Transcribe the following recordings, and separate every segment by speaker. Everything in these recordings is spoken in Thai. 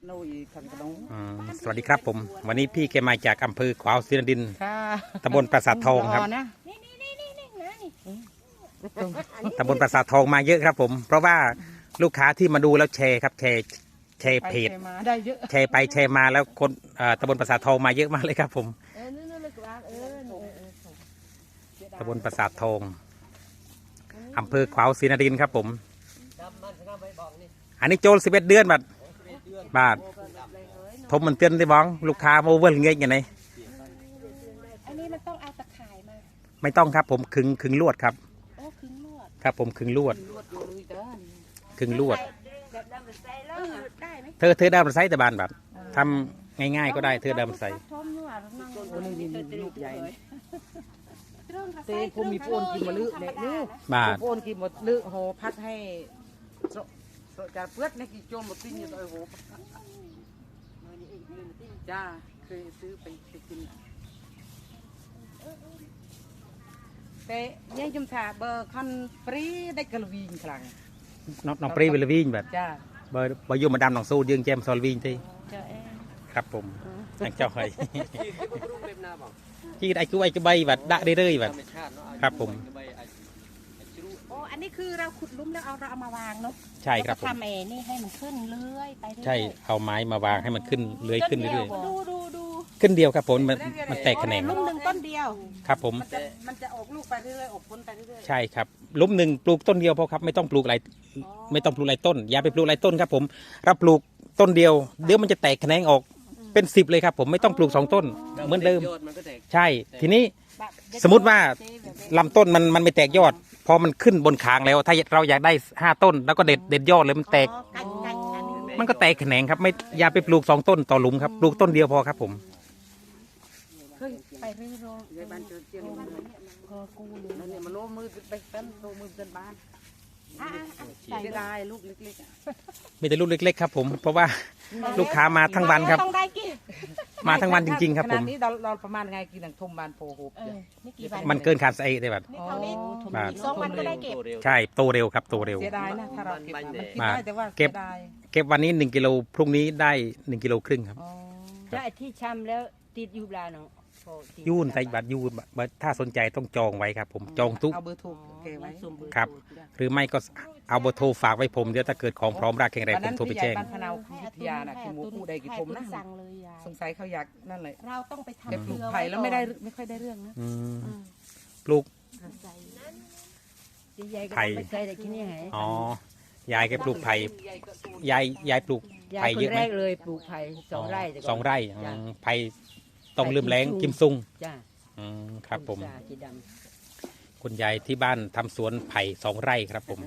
Speaker 1: สวัสดีครับผมวันนี้พี่แกมาจากอำเภอขวาวศรีนครินทร์ตำบลปราสาททองครับตำบลปราสาททองมาเยอะครับผมเพราะว่าลูกค้าที่มาดูแล้วแชร์ครับแชร์เพจแชร์ไปแชร์มาแล้วคนตำบลปราสาททองมาเยอะมากเลยครับผมตำบลปราสาททองอำเภอขวาวศรีนครินทร์ครับผมอันนี้โจล11 เดือนบาททมมันเตือนได้บ้องลูกค้าโมเวอร์เงี้ยอย่างไร
Speaker 2: อันนี้มันต้องเอาตะข่ายมา
Speaker 1: ไม่ต้องครับผมขึงลวดครับ
Speaker 2: โอ้ขึงลวด
Speaker 1: ครับผมขึงลวดเธอได้มาใช้แต่บานแบบทำง่ายๆก็ได้เธอได้มาใช้
Speaker 3: เต้ผมมีโฟนกินมาลึกเนี่ยนี่โฟนกินหมดลึกโหพัดให้จะเพื่อนในกี่โจมหมดติ้งอยู่ตัวโหจ้าเคยซื้อไปกินแต่ยังจุ่มถาเบอร์คันปรีได้กระวิงครั้ง
Speaker 1: น้องปรีเวลวิ่งแบบ
Speaker 3: จ้า
Speaker 1: เบอร์ยูมาดามน้องสู้ยืงแจมซอลวิ่งที่ครับผมนักเจ้าใครที่ไอ้กู้ไอ้กระใบแบบด่าได้เลยแบบครับผม
Speaker 2: โอ้อันนี้คือเราขุดลุ่มแล้วเราเอามาวางเนาะ
Speaker 1: ใช่ครับผม
Speaker 2: ทำนี่ให้มันขึ้นเรื่อยไป
Speaker 1: ใช่เอาไม้มาวางให้มันขึ้นเลื้อยขึ้นเรื่อย
Speaker 2: ดู
Speaker 1: ขึ้นเดียวครับผมมันแตกแขนง
Speaker 2: ลุ่มหนึ่งต้นเดียว
Speaker 1: ครับผม
Speaker 3: มันจะออกลูกไปเรื่อยๆออกผลไปเรื่อย
Speaker 1: ๆใช่ครับลุ่มหนึ่งปลูกต้นเดียวพอครับไม่ต้องปลูกหลายต้นอย่าไปปลูกหลายต้นครับผมรับปลูกต้นเดียวเดี๋ยวมันจะแตกแขนงออกเป็น10เลยครับผมไม่ต้องปลูก2 ต้นเหมือนเดิมใช่ทีนี้สมมติว่าลำต้นมันไม่แตกยอดพอมันขึ้นบนคางแล้วถ้าเราอยากได้5 ต้นแล้วก็เด็ดยอดเลยมันแตกมันก็แตกแขนงครับไม่อย่าไปปลูก2 ต้นต่อหลุมครับปลูกต้นเดียวพอครับผม
Speaker 2: ไปเรื่อยๆบ้านเจอเจียงกู
Speaker 3: นั่นเนี่ยมันโลมือไปเต้นโลมือเต้นบ้านใส่ได้ลูกเล็ก
Speaker 1: ๆมีแต่ลูกเล็กๆครับผมเพราะว่าลูกค้ามาทั้งวันครับมาทั้งวันจริงๆครับผม
Speaker 3: นี้เราประมาณไงกินหนังทมบานโพโฮบ
Speaker 1: มันเกินขาดไส้ได้แบบ
Speaker 2: 2 วันก็ได้เก็บ
Speaker 1: ใช่โตเร็วครับโตเร็ว
Speaker 3: เสียดายนะถ้าเราเก็บมันกินได้แต่ว่า
Speaker 1: เก็บวันนี้1 กิโลพรุ่งนี้ได้1 กิโลครึ่งครับ
Speaker 2: แล้วที่ชำแล้วติดยูบลาเนาะ
Speaker 1: ยุ่นใส่บัตรยุ่นถ้าสนใจต้องจองไว้ครับผมจองทุก
Speaker 3: เอาเบอร์โทรเก็บไว้
Speaker 1: ครับหรือไม่ก็เอาเบอร์โทรฝากไว้ผมเดี๋ยวถ้าเกิดของพร้อมรากแข็งแรงผมโทรไปแจ้ง
Speaker 3: บ้านพนาววิทยาน่ะคือหมูผู้ใดกี่ผมนะสงสัยเขาอยากนั่นเลย
Speaker 2: เราต้องไปทำ
Speaker 3: ปลูกไผ่แล้วไม่ค่อยได้เรื่องนะ
Speaker 1: ปลูก
Speaker 2: ไผ่
Speaker 1: อ๋อยายแกปลูกไผ่ยายปลูกไผ่เยอะไหม
Speaker 2: เลยปลูกไผ่
Speaker 1: 2 ไร่ไผ่ต้องลืมแรงกิมซุงครับผมคุณยายที่บ้านทำสวนไผ่2 ไร่ครับผม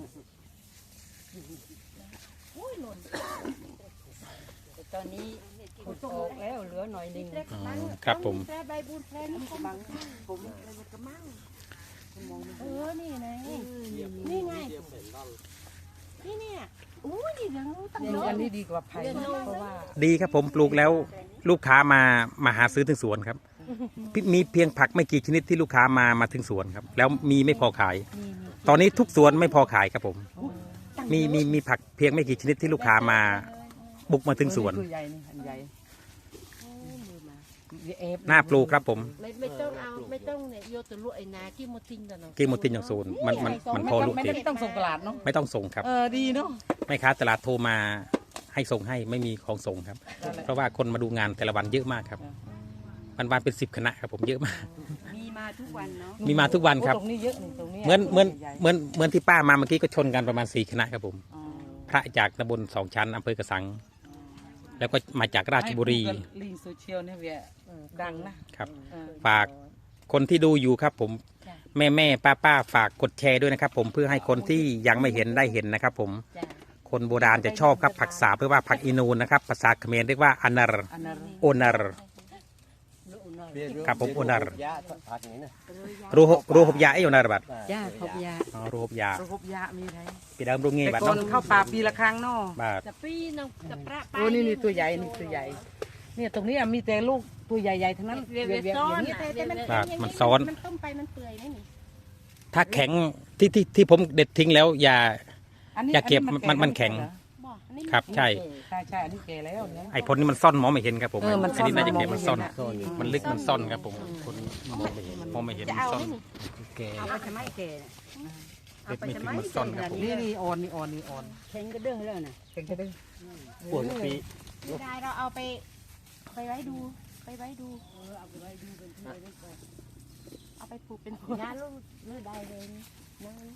Speaker 2: ตอนนี้ขุดออกแล้วเหลือหน่อยนึง
Speaker 1: ครับผม
Speaker 2: นี่ไงนี่ไงนี่เนี่ยนี่ยังตั้งเยอะ
Speaker 3: อันนี้ดีกว่าไผ่เพราะว่า
Speaker 1: ดีครับผมปลูกแล้วลูกค้ามาหาซื้อถึงสวนครับมีเพียงผักไม่กี่ชนิดที่ลูกค้ามาถึงสวนครับแล้วมีไม่พอขายตอนนี้ทุกสวนไม่พอขายครับผมมีผักเพียงไม่กี่ชนิดที่ลูกค้ามาบุกมาถึงสวนน่าปลูกครับผม
Speaker 2: ไม่ต้องเนี่ยโยตุลุไอนากิโมตินกันเนาะ
Speaker 1: กิโมตินอย่างศูนย์มันพอลูก
Speaker 3: เด็กไม่ต้องส่งตลาดเนาะ
Speaker 1: ไม่ต้องส่งครับ
Speaker 3: ดีเนาะ
Speaker 1: ไม่ค้าตลาดโทรมาให้ส่งให้ไม่มีของส่งครับเพราะว่าคนมาดูงานแต่ละวันเยอะมากครับวันเป็น10 คณะครับผมเยอะมาก
Speaker 2: มีมาทุกวันเนาะ
Speaker 1: มีมาทุกวันครับเหมือนที่ป้ามาเมื่อกี้ก็ชนกันประมาณ4 คณะครับผมพระจากตำบล2 ชั้นอำเภอกระสังแล้วก็มาจากราชบุรี
Speaker 3: ลิงโซเชียลเนี่ยเวียดังนะครับ
Speaker 1: ฝากคนที่ดูอยู่ครับผมแม่ป้าฝากกดแชร์ด้วยนะครับผมเพื่อให้คนที่ยังไม่เห็นได้เห็นนะครับผมคนโบราณจะชอบครับผักสาเพื่อว่าผักอินูนนะครับภาษาเขมรเรียกว่าอนาร์โอนาร์ครับผมโอนาร์รูหบยาไอโอนาร์บัด
Speaker 2: หบยา
Speaker 1: รูหบยา
Speaker 3: มีไร
Speaker 1: ปีดำรุ่งเงี้ยบัด
Speaker 3: น้องเข้าป่าปีละครั้งเนาะ
Speaker 2: จะปีน้องจะปลา
Speaker 3: โอ้นี่ตัวใหญ่นี่ตัวใหญ่เนี่ยตรงนี้มีแต่ลูกตัวใหญ่ๆทั้งนั้น
Speaker 1: มันซ้อน
Speaker 2: มันต้มไปมันเปื่อยไหมนี่
Speaker 1: ถ้าแข็งที่ผมเด็ดทิ้งแล้วอย่าเก็บมันแข็ง
Speaker 2: นี่
Speaker 1: ครับใช่
Speaker 3: ใช่อันนี้แก่แล้วเนี่ย
Speaker 1: ไอ้พลนี่มันซ่อนมองไม่เห็นครับผม
Speaker 3: มันซ่อน
Speaker 1: นี้น่าจะเก็บมันซ่อน
Speaker 3: มองไม่เห็นอะ
Speaker 1: มันลึกมันซ่อนครับผมคนมองไม่เห็นมองไม่เห็น
Speaker 2: จะ
Speaker 1: มัน
Speaker 2: เอา
Speaker 1: ซ่อน
Speaker 2: ไหมนี่
Speaker 1: แก
Speaker 2: เอาไปทำไมแกเนี่ยเอาไปทำไม
Speaker 1: เม็ดไม่ถึงมันซ่อนครับผม
Speaker 3: นี่อ่อนนี่อ่อนนี่อ่อน
Speaker 2: แข็งก็เด้งแล้วน่ะ
Speaker 3: เก่งจะได้
Speaker 1: ปวดปี
Speaker 2: ไม่ได้เราเอาไปไว้ดูไปไว้ดูเอาไปไว้ดูเป็นที่ไว้ก่อนเอาไปปลูกเป็นผลงานลูกได้เลยนั่ง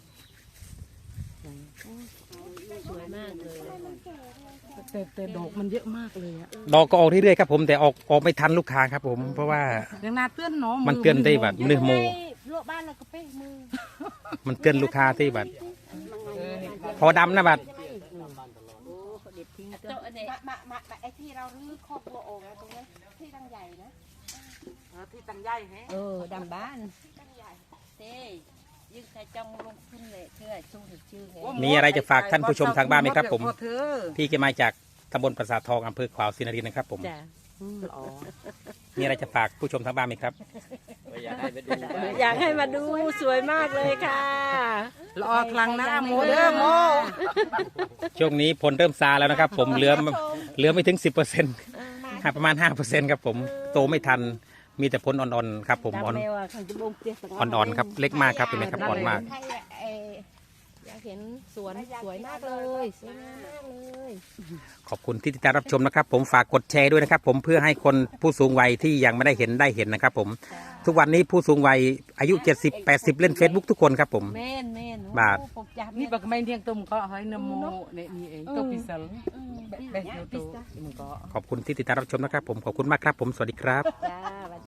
Speaker 2: สวยมากเลย
Speaker 3: แต่ดอกมันเยอะมากเลยอะ
Speaker 1: ดอกก็ออกเรื่อยๆครับผมแต่ออกไม่ทันลูกค้าครับผมเพราะว่า
Speaker 3: ยังนาเตือนเนาะ
Speaker 1: มันเตือนได้แบบเนื้อโม
Speaker 2: ลวกบ้านเราก็เป้มือ
Speaker 1: มันเตือนลูกค้าที่แบบพอดำนะบัด
Speaker 2: โอ้เด็ดทิ้งตัวมาไอ้ที่เราลื้อคอกวัวออกตรงนั้นที่ตั้งใหญ่นะ
Speaker 3: ที่ตังใหญ่แฮะ
Speaker 2: ดำบ้านที่ตั้งใหญ่เต้ยึงใส่จองลงทุนเลยเชื่อสู้ถึงชื่อไง
Speaker 1: มีอะไรจะฝากท่านผู้ชมทางบ้านไหมครับผม
Speaker 3: พอเธอ
Speaker 1: พี่แกมาจากตำบลปราสาททองอำเภอขวาวศรีนครินทร์นะครับผม
Speaker 2: จ้ะ
Speaker 3: อ๋อ
Speaker 1: มีอะไรจะฝากผู้ชมทางบ้านไหมครับ
Speaker 2: อยากให้มาดูสวยมากเลยค่ะ
Speaker 3: ละออคลังนะโมเด้อโม
Speaker 1: ช่วงนี้ผลเริ่มซาแล้วนะครับ ผมเหลือไม่ถึง 10%ประมาณ 5%ครับผมโตไม่ทันมีแต่ผลอ่อนๆครับผมอ่อนๆครับเล็กมากครับเป็นไหมครับอ่อนมาก
Speaker 2: อยากเห็นสวนสวยมากเลยสวยงามมากเลย
Speaker 1: ขอบคุณที่ติดตามรับชมนะครับ ผมฝากกดแชร์ด้วยนะครับ ผมเพื่อให้คนผู้สูงวัยที่ยังไม่ได้เห็นนะครับ ผมทุกวันนี้ผู้สูงวัยอายุ 70-80 เล่น Facebook ทุกคนครับผม
Speaker 2: แม่น
Speaker 1: บาท
Speaker 3: นี่บักไม่เที่ยงตุ้มก็ให้นโมเนี่ยนี่เองตัวพิเศษเบสโนโตมันก็
Speaker 1: ขอบคุณที่ติดตามรับชมนะครับ ผมขอบคุณมากครับผมสวัสดีครับ
Speaker 2: จ้า